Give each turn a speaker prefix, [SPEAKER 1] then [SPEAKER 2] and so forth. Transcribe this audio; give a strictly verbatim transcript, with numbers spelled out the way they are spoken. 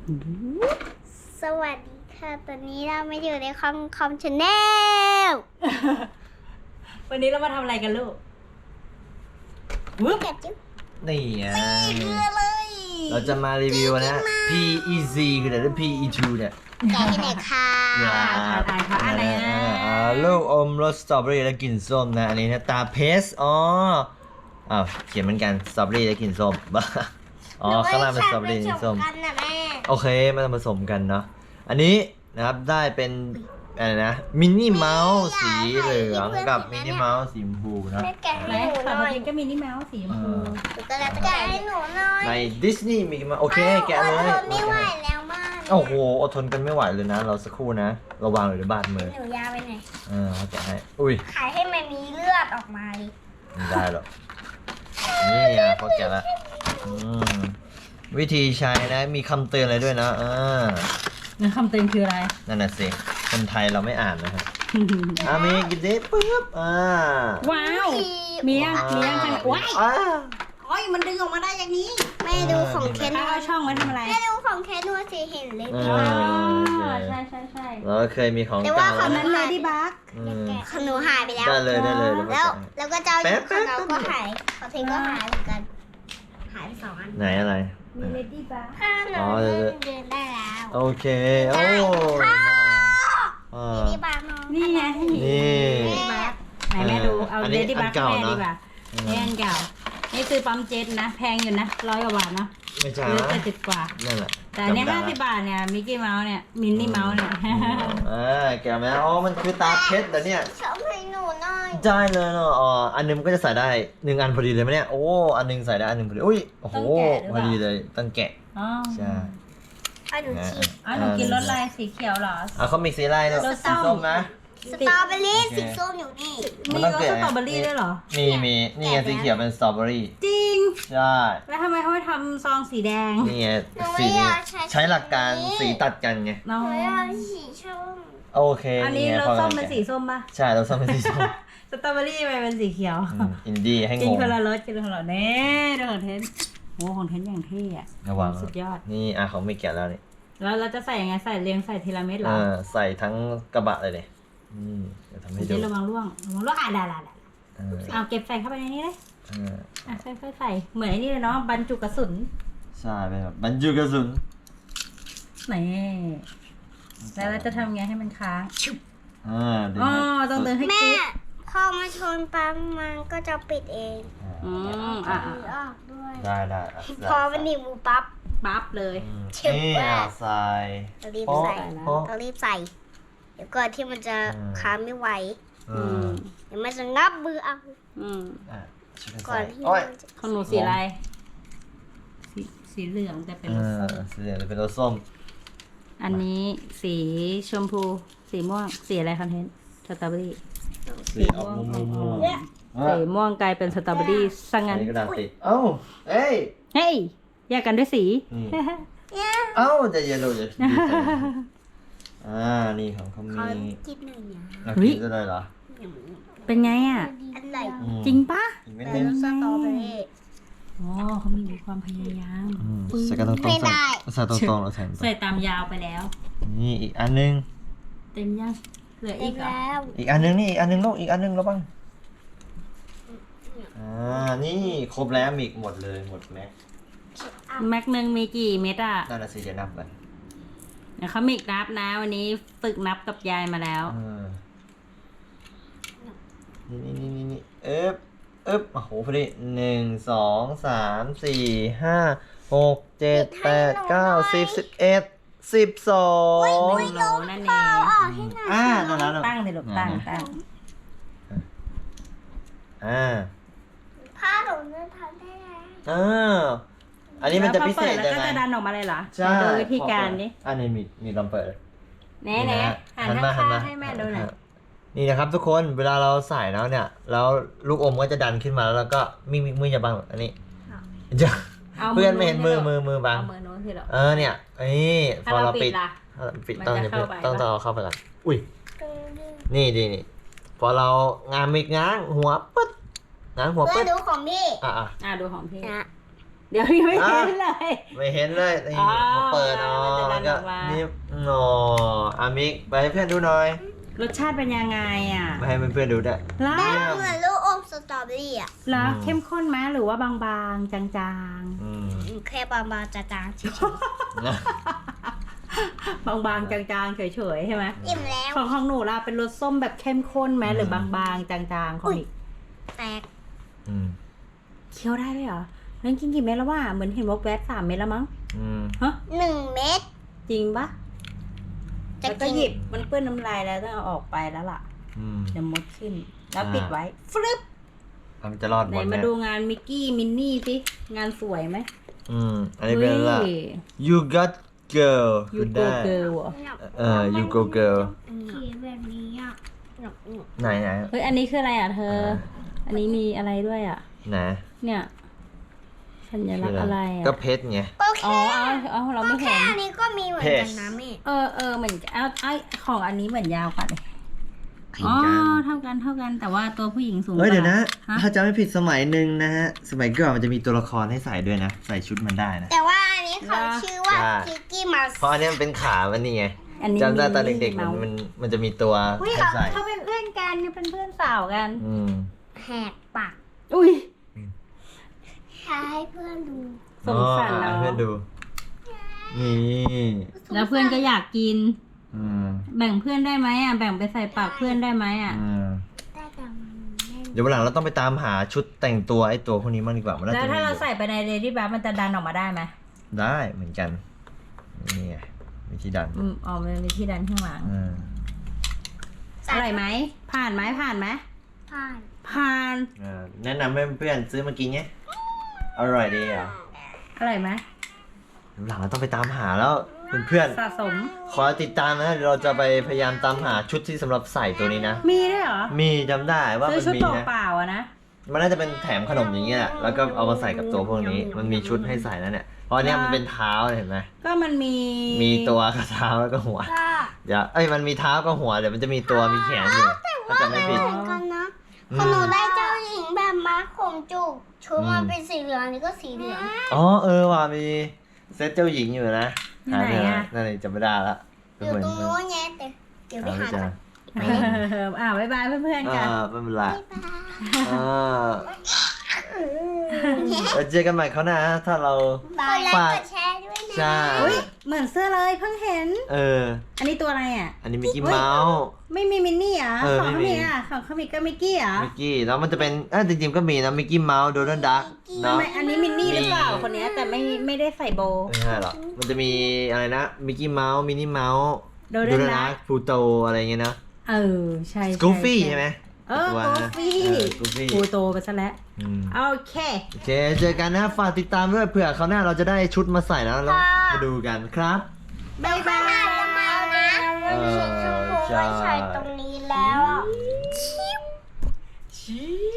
[SPEAKER 1] สวัสดีค่ะตอนนี้เราไม่อยู่ในคอมคอมชาแนล
[SPEAKER 2] วันนี้เรามาทำอะไรกันลูกวึบ
[SPEAKER 1] แกะจิ๊บ
[SPEAKER 3] นี่ไง
[SPEAKER 2] คืออะไร
[SPEAKER 3] เราจะมารีวิวนะ พี อี ซี คืออะไร พี อี ทู เนี่ย
[SPEAKER 1] แกะที่ไหนคะ
[SPEAKER 3] อ่า
[SPEAKER 2] อ่านเขาอะไรนะ
[SPEAKER 3] อ่าลูกอมรสสตรอเบอรี่และกลิ่นส้มนะ อันนี้นะตาเพสอ๋ออ้าวเขียนเหมือนกันสตรอเบอรี่และกลิ่นส้มบ้าอ๋อข้างล่างเป็นสตรอเบอรี่กลิ่นส้ม
[SPEAKER 1] กันนะแม่
[SPEAKER 3] โอเคมาผสมกันเนาะอันนี้นะครับได้เป็นอะไรนะมินนี่เมาส์สีเหลืองกับมินนี่เมาส์สีชมพูนะ
[SPEAKER 1] แม่แกะ
[SPEAKER 2] ไหน
[SPEAKER 1] ให้หนูห
[SPEAKER 2] ฝั่ง
[SPEAKER 1] น่อย
[SPEAKER 2] นี้ก็มีนี่แมวสีชมพู
[SPEAKER 1] หนูก็แล้วแกะให้หนูหน่อย
[SPEAKER 3] ในดิสนีย์มีมาโอเคแกะเลย
[SPEAKER 1] ทนไม่ไหวแล้วมาก
[SPEAKER 3] โอ้โหอดทนกันไม่ไหวเลยนะ เราสักครู่นะระวังหรือบาดมือ
[SPEAKER 1] หนูยาไปไหน
[SPEAKER 3] เออเขาแกะให้อุ้ย
[SPEAKER 1] ขายให้มันมีเลือดออกมาดิ
[SPEAKER 3] ไม่ได้หรอกนี่อ่ะเขาแกะละอืมวิธีใช้นะมีคำเตือนอะไรด้วยนะอ่า
[SPEAKER 2] นั่นคำเตือนคืออะไร
[SPEAKER 3] นั่นน่ะสิคนไทยเราไม่อ่านนะครับอ่ามีกินดิปึ๊บอ่า
[SPEAKER 2] ว้าวมียังมียังขนาดว้าย
[SPEAKER 3] อ่า
[SPEAKER 2] โอ้ยมันดึงออกมาได้อย่างนี้
[SPEAKER 1] แม่ดูของเคส
[SPEAKER 2] เอาเอาช่องไว้ทำอะไร
[SPEAKER 1] แม่ดูของเคสดูสิเห็นเลย
[SPEAKER 3] เอ
[SPEAKER 1] พี่
[SPEAKER 3] อ
[SPEAKER 1] ว่า
[SPEAKER 2] อ๋อใช่ใช่ใช่
[SPEAKER 3] เราเคยมีของ
[SPEAKER 1] แต่ว่า
[SPEAKER 3] เก่า
[SPEAKER 1] เขา
[SPEAKER 3] แล้ว
[SPEAKER 2] นั้น
[SPEAKER 3] นะ
[SPEAKER 2] เลดี้บัก
[SPEAKER 3] อืม
[SPEAKER 1] ของหนูหายไปแล้ว
[SPEAKER 3] ได้เลยได้เลยเดี๋ยว
[SPEAKER 1] แล้ว
[SPEAKER 3] เขาแกะให้
[SPEAKER 1] แล้วก็เจ้า
[SPEAKER 3] แป๊
[SPEAKER 1] อยู่
[SPEAKER 3] บ
[SPEAKER 1] ของเรา
[SPEAKER 3] แป๊บ
[SPEAKER 1] ก็หายของเทนก็หายเหมือนกัน หายไปสองอัน
[SPEAKER 3] ไหนอะไร
[SPEAKER 2] มีเลดี้บัก
[SPEAKER 1] ถ้าหนู
[SPEAKER 3] อ๋อเดี๋ยว
[SPEAKER 1] เดินได้แล้ว
[SPEAKER 3] โอเคโอ้อ่า
[SPEAKER 1] นี่บ้านน้อง
[SPEAKER 2] นี่ไงให้มี
[SPEAKER 3] นี่
[SPEAKER 2] เลดี้บักไหนแม่ดูเอา
[SPEAKER 3] อันนี้
[SPEAKER 2] เลดี้บัก
[SPEAKER 3] อันเก่า
[SPEAKER 2] แม่
[SPEAKER 3] เนอะ
[SPEAKER 2] ดีกว่า
[SPEAKER 3] อืม
[SPEAKER 2] นี่อันเก่านี่ซื้อปั๊มเจ็ตนะแพงอยู่นะร้อยกว่าบาทเนาะ
[SPEAKER 3] ไม่ใช่
[SPEAKER 2] หรือ
[SPEAKER 3] นะ
[SPEAKER 2] เจ็ดสิบกว่า
[SPEAKER 3] นั่นแหละ
[SPEAKER 2] แต่อันเนี้
[SPEAKER 3] จำได้
[SPEAKER 2] ห้าสิบบาทเนี่ยมิกกี้เมาส์เนี่ยมินนี่เมาส์เนี่ย
[SPEAKER 3] อ่าแกะไหมอ๋อมันคือตาเพชรแต่เนี่ย
[SPEAKER 1] ชอบให้หนูหน่อย
[SPEAKER 3] ได้เลยเนาะอ๋ออันหนึงมันก็จะใส่ได้หนึ่งอันพอดีเลยไหมเนี่ยโอ้อันหนึงใส่ได้อันหนึงพอดีอุ้ยโอ้โห
[SPEAKER 2] ต้องแกะหรือเปล่า
[SPEAKER 3] พอดีเลยต้องแกะ
[SPEAKER 2] อ๋อ
[SPEAKER 3] ใช่
[SPEAKER 1] เอาหนู
[SPEAKER 3] นะ
[SPEAKER 1] ชิม
[SPEAKER 2] อ๋อหนูกินรสลายสีเขียวเหรอ
[SPEAKER 3] อ่ะเขามีสีอะไรเนาะ
[SPEAKER 2] รสส้
[SPEAKER 3] สี
[SPEAKER 2] ม
[SPEAKER 3] ส้มนะ
[SPEAKER 1] สตรอเบอรี่
[SPEAKER 3] โอเค
[SPEAKER 1] สีส้มอยู่นี่
[SPEAKER 3] มัน
[SPEAKER 2] มี
[SPEAKER 3] ต้อง
[SPEAKER 2] รส
[SPEAKER 3] แกะ
[SPEAKER 2] สตรอเบอรี่ด้วยเหรอ
[SPEAKER 3] มีมีนี่ไงสีเขียวเป็นสตรอเบอรี่
[SPEAKER 2] จริง
[SPEAKER 3] ใช่
[SPEAKER 2] แล้วทำไมเขาไม่ทำซองสีแดง
[SPEAKER 3] นี่ไง
[SPEAKER 1] หนู
[SPEAKER 3] สี
[SPEAKER 1] ไม่อ
[SPEAKER 3] นี้
[SPEAKER 1] ยากใช้
[SPEAKER 3] ใช้หลักการสีตัดกันไง
[SPEAKER 2] น้อ
[SPEAKER 1] ห
[SPEAKER 2] ง
[SPEAKER 1] นูอยากสีส้ม
[SPEAKER 3] โอเค
[SPEAKER 2] อันนี้
[SPEAKER 3] ไง
[SPEAKER 2] รส
[SPEAKER 3] พอ
[SPEAKER 2] ส้ม
[SPEAKER 3] กั
[SPEAKER 2] เป็นสีส้มป่ะ
[SPEAKER 3] ใช่เราส้มเป็นสีส้ม
[SPEAKER 2] สตรอเบอรี่ไปเป็นสีเขียว
[SPEAKER 3] อืมอินดี้ให้
[SPEAKER 2] กิ
[SPEAKER 3] ง
[SPEAKER 2] น
[SPEAKER 3] ง
[SPEAKER 2] คนละรสกินคนละรสเน่ดูของเทนโอ้ของเทนอย่างเท่อะ
[SPEAKER 3] ระวัง
[SPEAKER 2] สุดยอด
[SPEAKER 3] นี่อ่ะเขาไม่แกะแล้วนี่
[SPEAKER 2] แล้วเราจะใส่ยังไงใส่เรียงใส่ทีละเม็ดเหร
[SPEAKER 3] เอ
[SPEAKER 2] อ
[SPEAKER 3] อใส่ทั้งกระบะเลยเนี่ยอืมเดี๋ยวทำให้ดู
[SPEAKER 2] เดี๋ยวระวังร่วงระวังร่วงอ่ะได้ได้ได้
[SPEAKER 3] เออ
[SPEAKER 2] เอาเก็บใส่เข้าไปในนี้เลย
[SPEAKER 3] เออ
[SPEAKER 2] อ่ะค่อยๆใส่เหมือนไอ้นี่เลยเนาะบรรจุกระสุน
[SPEAKER 3] ใช่เป็นแบบบรรจุกระสุน
[SPEAKER 2] นี่แล้วเราจะทำไงให้มันค้าง
[SPEAKER 3] อ่าดึง
[SPEAKER 2] อ๋อ
[SPEAKER 3] ให้
[SPEAKER 2] ต้องเดินให้
[SPEAKER 1] แม่
[SPEAKER 2] กิ๊บ
[SPEAKER 1] พอมาชนปั๊มมันก็จะปิดเอง
[SPEAKER 2] อืมอ่ะ
[SPEAKER 1] หรือออกด้วย
[SPEAKER 3] ได้ได้อ่ะ
[SPEAKER 1] พอมันหนีบมือปั๊บ
[SPEAKER 2] ปั๊บเลย
[SPEAKER 3] อืม
[SPEAKER 1] เชื่อ
[SPEAKER 3] นี่
[SPEAKER 1] ว่า
[SPEAKER 3] อ่ะใส่
[SPEAKER 1] เรารีบ
[SPEAKER 3] โป๊ะ
[SPEAKER 1] ใส่
[SPEAKER 3] โป๊ะ
[SPEAKER 1] เรารีบใส่ เดี๋ยวก่อนที่มันจะ
[SPEAKER 3] อืม
[SPEAKER 1] ค้างไม่ไหว
[SPEAKER 3] อื
[SPEAKER 2] อื
[SPEAKER 3] ม
[SPEAKER 2] ม
[SPEAKER 1] เดี๋ยวมันจะงับมือเอา
[SPEAKER 2] อืม
[SPEAKER 3] อ่ะช่วยกัน
[SPEAKER 1] ก่อ
[SPEAKER 3] ใส่
[SPEAKER 1] นที่
[SPEAKER 3] โอ้ย
[SPEAKER 1] มันจะ
[SPEAKER 2] ของหนูสีอะไร สีสีเหลืองแต่เป็น
[SPEAKER 3] เอ
[SPEAKER 2] รส
[SPEAKER 3] อ
[SPEAKER 2] ส้ม
[SPEAKER 3] สีเหลืองจะเป็นรสส้ม
[SPEAKER 2] อันนี้สีชมพู สีม่วง สีอะไรคอนเทนต์สตรอเบอรี่
[SPEAKER 3] สีออกม่วงม่วง
[SPEAKER 1] เนี่ย
[SPEAKER 2] สีม่วงกลายเป็นสตรอเบอรี่ซะ
[SPEAKER 3] อั
[SPEAKER 2] งั้
[SPEAKER 3] น
[SPEAKER 2] น
[SPEAKER 3] นี้กระดาษติดเอ้าเอ้ย
[SPEAKER 2] เฮ้ย แยกกันด้วยสี
[SPEAKER 3] นี่
[SPEAKER 1] เนี่ย
[SPEAKER 3] เอ้าจะเย็นเลยจะดีใจอ่านี่ของเขา
[SPEAKER 1] เขา
[SPEAKER 3] มี
[SPEAKER 1] กินหนึ่งอย่าง
[SPEAKER 3] เรากินได้เลยเหรอ
[SPEAKER 2] เป็นไงอ่ะ
[SPEAKER 1] อะไร
[SPEAKER 3] อืม
[SPEAKER 2] จริงปะ
[SPEAKER 3] อีกไม่
[SPEAKER 1] แต่
[SPEAKER 3] นึง
[SPEAKER 1] สตรอเบอรี่
[SPEAKER 2] อ๋อเขามีความพยายาม
[SPEAKER 3] อืมใส่กันตรงๆ
[SPEAKER 1] ไม่ได้
[SPEAKER 3] ใส่ตรงๆแล้วใส่ตรง
[SPEAKER 2] ใส่ตามยาวไปแล้ว
[SPEAKER 3] ๆนี่อีกอันนึง
[SPEAKER 2] เต็มยัง เหลือ
[SPEAKER 1] เต็
[SPEAKER 2] อี
[SPEAKER 1] ม
[SPEAKER 2] กเหรอ
[SPEAKER 1] แล้ว
[SPEAKER 3] อีกอันนึงนี่อีกอันนึงลูกอีกอันนึงแล้วบ้างอ่านี่ครบแล้วมีอีกหมดเลยหมดแม็ก
[SPEAKER 2] แม็กหนึ่งมีกี่เม็ดอ่ะ
[SPEAKER 3] นั่นน่ะสิจะนับกัน
[SPEAKER 2] เดี๋ยวเขามีนับนะ วันนี้ฝึกนับกับยายมาแล้ว
[SPEAKER 3] อ่านี่นี่นี่นี่เอ๊บเอ๊บโอ้โหพอดีหนึ่งสองสามสี่ห้าหกเจ็ดแปดเก้าสิบสิบเอ็ดสิบสอง
[SPEAKER 2] หนึ่งโลนั่นเอง
[SPEAKER 1] ออกให้หน่อย
[SPEAKER 3] อ่านั่นแล้ว
[SPEAKER 2] ตั้งเลยลูกตั้งตั้ง
[SPEAKER 3] อ่า
[SPEAKER 1] ผ้าหนูจะทำได้แล้ว
[SPEAKER 3] อ่าอันนี้มันจะพิเศษ
[SPEAKER 2] แล้ว
[SPEAKER 3] ยัง
[SPEAKER 2] ก็
[SPEAKER 3] ไง
[SPEAKER 2] จะดันออกมาเลยเหรอ
[SPEAKER 3] ใช่
[SPEAKER 2] ดูวิธีการนี้
[SPEAKER 3] อันนี้มีมีลองเปิด
[SPEAKER 2] แน่แน่หัน
[SPEAKER 3] หันมาหั
[SPEAKER 2] ข้าน ง
[SPEAKER 3] มา
[SPEAKER 2] ๆให้แม่ดูหน่อย
[SPEAKER 3] นี่นะครับทุกคนเวลาเราใส่แล้วเนี่ย แล้วลูกอมก็จะดันขึ้นมาแล้วเราก็มีมีมืออย่าบังอันนี้จะ
[SPEAKER 2] เอา
[SPEAKER 3] เพื่อนไม่เห็นมือ
[SPEAKER 2] โ
[SPEAKER 3] มือมือบัง
[SPEAKER 2] เอามือโน้นที่เรา
[SPEAKER 3] เออเนี่ยนี่พ
[SPEAKER 2] ถ้า
[SPEAKER 3] อ
[SPEAKER 2] เรา
[SPEAKER 3] เรา
[SPEAKER 2] ปิ
[SPEAKER 3] ปิ
[SPEAKER 2] ด
[SPEAKER 3] ด
[SPEAKER 2] ล่ะ
[SPEAKER 3] ถ้าเราปิด
[SPEAKER 2] มัน
[SPEAKER 3] ต้อง
[SPEAKER 2] จะ
[SPEAKER 3] อย่า
[SPEAKER 2] เข้า
[SPEAKER 3] เพิ่ง
[SPEAKER 2] ไป
[SPEAKER 3] ต้อง
[SPEAKER 2] ปะ
[SPEAKER 3] ต้องเอาเข้าไปก่อนอุ้ย
[SPEAKER 1] ตึงดึง
[SPEAKER 3] นี่ดีนี่พอเรางามอีกง้างหัวปึ๊ดง้างหัว
[SPEAKER 1] เพื่อ
[SPEAKER 3] ปึ๊
[SPEAKER 1] น
[SPEAKER 3] ด
[SPEAKER 1] ดูของพี่
[SPEAKER 3] อ่ะอ่ะ
[SPEAKER 2] อ่ะดูของพี่
[SPEAKER 1] นะ
[SPEAKER 2] เดี๋ยวนี้ไม่เห็นเลย
[SPEAKER 3] ไม่เห็นเลยนี่
[SPEAKER 2] อ๋อ
[SPEAKER 3] พอเปิดอ๋อ
[SPEAKER 2] มันจะดัน
[SPEAKER 3] ก็
[SPEAKER 2] ออกมานี่
[SPEAKER 3] นี่อ๋ออามิกไปให้เพื่อนดูหน่อย
[SPEAKER 2] รสชาติเป็นยังไงอ่ะ
[SPEAKER 3] มาให้เพื่อนๆดูด้วย
[SPEAKER 2] แล้ว
[SPEAKER 1] แบบเหมือนลูกอมสตรอเบอรี่อ่ะ
[SPEAKER 2] แล้ว
[SPEAKER 3] อืม
[SPEAKER 2] เข้มข้นไหมหรือว่าบางๆ จาง
[SPEAKER 3] อืม
[SPEAKER 1] แค่บางๆจางๆเฉย
[SPEAKER 3] นะ
[SPEAKER 2] ๆ บางๆ จางๆ เฉยๆ ใช่ไหม
[SPEAKER 1] ๆอิ่มแล้ว
[SPEAKER 2] ของของหนูล่ะเป็นรสส้มแบบเข้มข้นไหมหรือบางๆ จางๆ ของอีก
[SPEAKER 1] แตก
[SPEAKER 3] อืม
[SPEAKER 2] เคี้ยวได้ด้วยเหรอนั่นกินกี่เม็ดแล้วว่าเหมือนเห็นว่าแวบสามเม็ดแล้วมั้ง
[SPEAKER 3] อืม
[SPEAKER 2] ฮะ
[SPEAKER 1] หนึ่งเม็ด
[SPEAKER 2] จริงปะ
[SPEAKER 1] จะ
[SPEAKER 2] แล้วก็
[SPEAKER 1] กิน
[SPEAKER 2] หยิบมันเปื้อนน้ำลายแล้วต้องเอาออกไปแล้วล่ะ
[SPEAKER 3] อืม
[SPEAKER 2] เดี๋ยวมดขึ้น แล้ว
[SPEAKER 3] อ่า
[SPEAKER 2] ปิดไว้ฟลึบ
[SPEAKER 3] มันจะรอดห
[SPEAKER 2] ไห
[SPEAKER 3] ม
[SPEAKER 2] น
[SPEAKER 3] ด
[SPEAKER 2] มา
[SPEAKER 3] นะ
[SPEAKER 2] ดูงานมิกกี้มินนี่สิงานสวยไหม
[SPEAKER 3] อืมอันนี้เป็นละ
[SPEAKER 2] ฮ้ย
[SPEAKER 3] you got girl
[SPEAKER 2] ยู
[SPEAKER 3] คุณ
[SPEAKER 2] โก
[SPEAKER 3] ได้
[SPEAKER 2] เกิล
[SPEAKER 3] เออ you go girl
[SPEAKER 1] เขียนแบบนี้อ่ะหนุกหนุก
[SPEAKER 3] ไหนไหน
[SPEAKER 2] เฮ้ยอันนี้คืออะไรอ่ะเธอ
[SPEAKER 3] อ่า
[SPEAKER 2] อันนี้มีอะไรด้วยอ่ะ
[SPEAKER 3] ไหน
[SPEAKER 2] เนี่ยสัญลักษณ์อะไรอ่ะ
[SPEAKER 3] ก็เพชรไง
[SPEAKER 1] ก็
[SPEAKER 2] อ๋อ
[SPEAKER 1] แค่
[SPEAKER 2] เอาเอาเรา
[SPEAKER 1] ก็
[SPEAKER 2] ไม่
[SPEAKER 1] แค่
[SPEAKER 2] เห็น
[SPEAKER 1] อันนี้ก็มีเหมือนกันนะแม่
[SPEAKER 2] เออเออเหมือนเอาไอของอันนี้เหมือนยาวกว่าเลย
[SPEAKER 3] เหมื
[SPEAKER 2] อ๋
[SPEAKER 3] อ
[SPEAKER 2] อน
[SPEAKER 3] กัน
[SPEAKER 2] เท่ากันเท่ากันแต่ว่าตัวผู้หญิงสูงก
[SPEAKER 3] เฮ้ย
[SPEAKER 2] ว่า
[SPEAKER 3] เดี๋ยวนะ
[SPEAKER 2] ฮะ
[SPEAKER 3] ถ้าจำไม่ผิดสมัยหนึ่งนะฮะ สมัยก่อนมันจะมีตัวละครให้ใส่ด้วยนะ ใส่ชุดมันได้นะ
[SPEAKER 1] แต่ว่าอันนี้เขาชื่อว่า
[SPEAKER 3] ใช่
[SPEAKER 1] คิกกี้มาส
[SPEAKER 3] เพราะอันนี้มันเป็นขามันนี่ไง
[SPEAKER 2] อันนี้
[SPEAKER 3] จำได้ตอนเด็กๆ
[SPEAKER 2] มา
[SPEAKER 3] มันมันมันจะมีตัว
[SPEAKER 1] อุ๊ย
[SPEAKER 3] ให้ใส่
[SPEAKER 2] เขาเป็นเพื่อนกันเนี่ยเป็นเพื่อนสาวกัน
[SPEAKER 3] อืม
[SPEAKER 1] แหกปาก
[SPEAKER 2] อุ้ย
[SPEAKER 1] ให้เพื่อนดู
[SPEAKER 2] สงสาร
[SPEAKER 3] อ๋อ
[SPEAKER 2] เรา
[SPEAKER 3] ให้เพื่อนดู นี่
[SPEAKER 2] แล้วเพื่อนก็อยากกิน
[SPEAKER 3] อืม
[SPEAKER 2] แบ่งเพื่อนได้ไหมอ่ะแบ่งไปใส่ปากเพื่อนได้ไหมอ่ะ
[SPEAKER 3] อืม
[SPEAKER 1] ได้แต่มันไม่
[SPEAKER 3] เดี๋ยววันหลังเราต้องไปตามหาชุดแต่งตัวไอ้ตัวพวกนี้มั่งดีกว่ามันน่า
[SPEAKER 2] แล้ว
[SPEAKER 3] จะมี
[SPEAKER 2] ถ้า
[SPEAKER 3] อ
[SPEAKER 2] เรา
[SPEAKER 3] ยู่
[SPEAKER 2] ใส่ไปในเรดี้บัฟมันจะดันออกมาได้ไหม
[SPEAKER 3] ได้เหมือนกัน นี่ไงวิธีดัน
[SPEAKER 2] อืมอ๋อมันมีที่ดันข้างหลัง
[SPEAKER 3] อืม
[SPEAKER 2] อร่อยไหมผ่านไหมผ่านไหม
[SPEAKER 1] ผ่าน
[SPEAKER 2] ผ่าน
[SPEAKER 3] เออแนะนำให้เพื่อนซื้อมากินไงอร่อยดีอ่ะ
[SPEAKER 2] อร่อยไหม
[SPEAKER 3] วันหลังเราต้องไปตามหาแล้วเพื่อน
[SPEAKER 2] สะสม
[SPEAKER 3] ๆขอติดตามนะเดี๋ยวเราจะไปพยายามตามหาชุดที่สำหรับใส่ตัวนี้นะ
[SPEAKER 2] มีด้วยเหรอ
[SPEAKER 3] มีจำได้ว่า
[SPEAKER 2] ซื้อ
[SPEAKER 3] มัน
[SPEAKER 2] ชุด
[SPEAKER 3] มี
[SPEAKER 2] เป
[SPEAKER 3] นะ
[SPEAKER 2] ล่าๆอะนะ
[SPEAKER 3] มันน่าจะเป็นแถมขนมอย่างเงี้ยแหละแล้วก็เอามาใส่กับตัวพวกนี้ มันมีชุดให้ใส่แล้วเนี่ย เพราะอันเนี้ยมันเป็นเท้าเห็นไหม
[SPEAKER 2] ก็มันมี
[SPEAKER 3] มีตัวกับเท้าแล้วก็หัว
[SPEAKER 1] ก็
[SPEAKER 3] เดี๋ยวเอ้ยมันมีเท้ากับหัวเดี๋ยวมันจะมีตัวมีแขนอยู่ถ้าจำไม่ผิด
[SPEAKER 1] เหมือนกันนะ
[SPEAKER 3] อืม
[SPEAKER 1] ของหนูได้เจ้าหญิงแบบม้าขมจุกชุดมันเป็นสีเหลืองอันนี้ก็สีเหลือง
[SPEAKER 3] อ๋อเออว่ะมีเซตเจ้าหญิงอยู่นะ
[SPEAKER 2] ที่ไหน
[SPEAKER 3] เจ
[SPEAKER 2] อะ
[SPEAKER 3] นั่นเลยจำไม่ได้ละ
[SPEAKER 1] อยู่ตรงนู้นไงแต่เดี๋ยวไป
[SPEAKER 3] หา
[SPEAKER 1] หา
[SPEAKER 3] ไม่
[SPEAKER 1] ก่
[SPEAKER 3] เจ
[SPEAKER 1] อน
[SPEAKER 3] อ
[SPEAKER 2] เอออ่าบ๊ายบายเพื่อนๆกั
[SPEAKER 3] อ่าน ไม่เป็นไร
[SPEAKER 1] บ๊ายบาย
[SPEAKER 3] อ่าแล้วเจอกันใหม่เขาวหน้าถ้าเรา
[SPEAKER 1] กดไลค์
[SPEAKER 3] ฝาก
[SPEAKER 1] กดแชร์ด้วยนะ
[SPEAKER 3] ใช่
[SPEAKER 2] อุ้ยเหมือนเสื้อเลยเพิ่งเห็น
[SPEAKER 3] เออ
[SPEAKER 2] อันนี้ตัวอะไรอ่ะ
[SPEAKER 3] อันนี้มิกกี้เมาส์
[SPEAKER 2] ไม่มีมินนี่เหรอ่ะ
[SPEAKER 3] เออ
[SPEAKER 2] ของ
[SPEAKER 3] ไม่
[SPEAKER 2] เขา
[SPEAKER 3] มี
[SPEAKER 2] มีอ่ะของเขามีก็มิกกี้เหรอ่ะ
[SPEAKER 3] มิกกี้แล้วมันจะเป็นเออจริงๆก็มีนะมิกกี้เมาส์โดนัลด์ดักเนาะ
[SPEAKER 2] ทำไมอันนี้มินนี่หรือเปล่า
[SPEAKER 3] มี
[SPEAKER 2] คนเนี้ยแต่ไม่ไม่ได้ใส่โบว์
[SPEAKER 3] ไม่ใช่หรอกมันจะมีอะไรนะมิกกี้เมาส์มินนี่เมาส์
[SPEAKER 2] Donald Duck
[SPEAKER 3] พลูโตอะไรเงี้ยนะ
[SPEAKER 2] เออใช่
[SPEAKER 3] สกูฟี่ใช่ไหม
[SPEAKER 2] เออ
[SPEAKER 3] ตัว
[SPEAKER 2] กู
[SPEAKER 3] นะ
[SPEAKER 2] ฟี่
[SPEAKER 3] เออ Goofy
[SPEAKER 2] กูโตไปซะแล้ว
[SPEAKER 3] อืม
[SPEAKER 2] โอเค
[SPEAKER 3] โอเคเจอกันนะฝากติดตามด้วยเผื่อเขาวหน้าเราจะได้ชุดมาใส่แล้วเรามาดูกันครับ
[SPEAKER 1] เดี๋ยวข้างหน้าจะมานะแล้วมีชมพูไว้ใส่ตรงนี้แล้วอ่ะ
[SPEAKER 3] ชี้